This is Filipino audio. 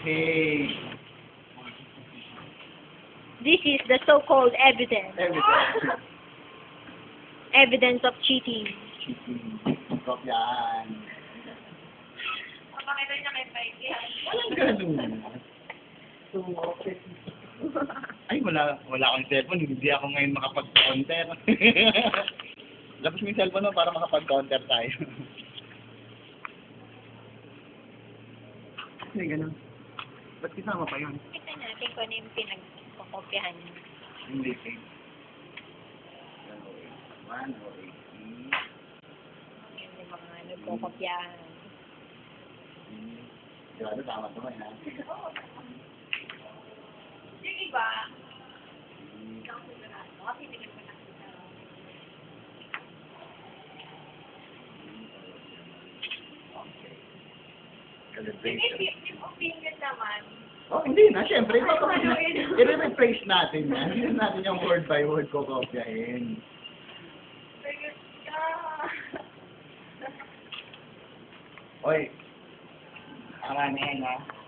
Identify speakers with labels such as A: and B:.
A: Okay.
B: This is the so-called evidence.
A: Evidence.
B: Evidence of cheating.
A: Cheating. Kopyaan.
C: Pakita niya kay Pikey.
A: Walang ganun. So, okay. Ay, wala akong cellphone. Hindi ako ngayon makapag-counter. Labas mo yung cellphone mo para makapag-counter tayo. Ay, ganun. Ba't kisama pa yun?
B: Kita natin kung ano yung pinagkopyahan niyo.
A: Hindi, eh. 1,
B: Yung mga nagkokopyahan.
A: Sigurado, tama naman, ha?
C: Yung iba, hindi ako sigurado. Kasi hindi ko nakita.
A: Okay. Calibration.
C: Yung opinion naman,
A: Oh, hindi na. Siyempre, i-rephrase natin yan. Hindi natin yung word by word ko kopyahin.
C: pero
A: Oy, tama na yan, ha?